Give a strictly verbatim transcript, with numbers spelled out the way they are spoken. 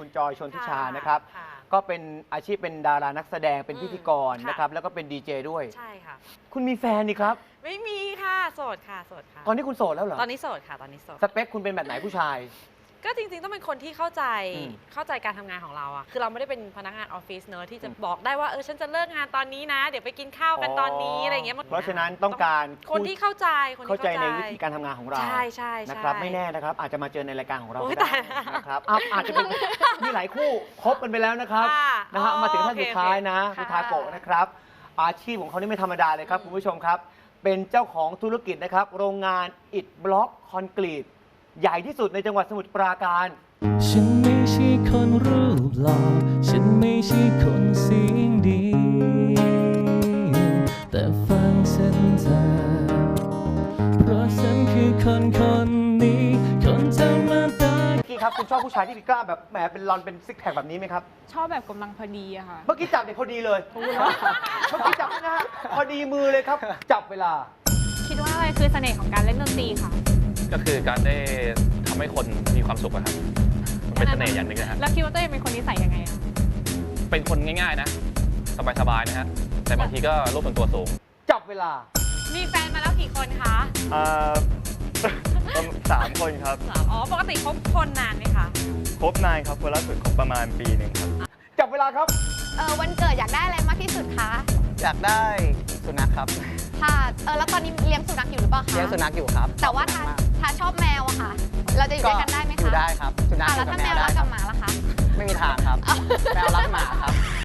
คุณจอยชนทิชานะครับก็เป็นอาชีพเป็นดารานักแสดงเป็นพิธีกรนะครับแล้วก็เป็นดีเจด้วยใช่ค่ะคุณมีแฟนนี่ครับไม่มีค่ะโสดค่ะโสดค่ะตอนนี้คุณโสดแล้วเหรอตอนนี้โสดค่ะตอนนี้โสดสเปคคุณเป็นแบบไหนผู้ชายก็จริงๆต้องเป็นคนที่เข้าใจเข้าใจการทำงานของเราอะคือเราไม่ได้เป็นพนักงานออฟฟิศเนอะที่จะบอกได้ว่าเออฉันจะเลิกงานตอนนี้นะเดี๋ยวไปกินข้าวกันตอนนี้อะไรอย่างเงี้ยเพราะฉะนั้นต้องการคนที่เข้าใจคนที่เข้าใจในวิธีการทำงานของเราใช่ใช่นะครับไม่แน่นะครับอาจจะมาเจอในรายการของเราก็ได้นะครับอาจจะเป็นมีหลายคู่คบกันไปแล้วนะครับนะฮะมาถึงท่านสุดท้ายนะคุณทาโกะนะครับอาชีพของเขานี่ไม่ธรรมดาเลยครับคุณผู้ชมครับเป็นเจ้าของธุรกิจนะครับโรงงานอิฐบล็อกคอนกรีตใหญ่ที่สุดในจังหวัดสมุทรปราการฉันไม่ใช่คนรูปหล่อฉันไม่ใช่คนเสียงดีแต่ฟังฉันเถอะเพราะฉันคือคนคนนี้คนธรรมดาพี่ครับคุณชอบผู้ชายที่มีกล้ามแบบแหมเป็นรอนเป็นซิกแพคแบบนี้ไหมครับชอบแบบกำลังพอดีอะค่ะเมื่อกี้จับเด็กพอดีเลยเมื่อกี้จับนะฮะพอดีมือเลยครับจับเวลาคิดว่าอะไรคือเสน่ห์ของการเล่นดนตรีค่ะก็คือการได้ทำให้คนมีความสุขอะครับมันเป็นเสน่ห์อย่างหนึ่งนะฮะแล้วคิดว่าตัวเองเป็นคนนิสัยยังไงอะเป็นคนง่ายๆนะสบายๆนะฮะแต่บางทีก็รูปเป็นตัวสูงจับเวลามีแฟนมาแล้วกี่คนคะอ่าสามคนครับอ๋อปกติคบคนนานไหมคะคบนานครับคนล่าสุดคบประมาณปีหนึ่งครับจับเวลาครับเออวันเกิดอยากได้อะไรมากที่สุดคะอยากได้สุนัขครับค่ะเออแล้วตอนนี้เลี้ยงสุนัขอยู่หรือเปล่าคะเลี้ยงสุนัขอยู่ครับแต่ว่าถ้าถ้าชอบแมวอะค่ะ เราจะอยู่ด้วยกันได้ไหมคะอยู่ได้ครับสุนัขแล้วถ้าแมวรักกับหมาล่ะคะไม่มีทางครับแมวรักหมาครับ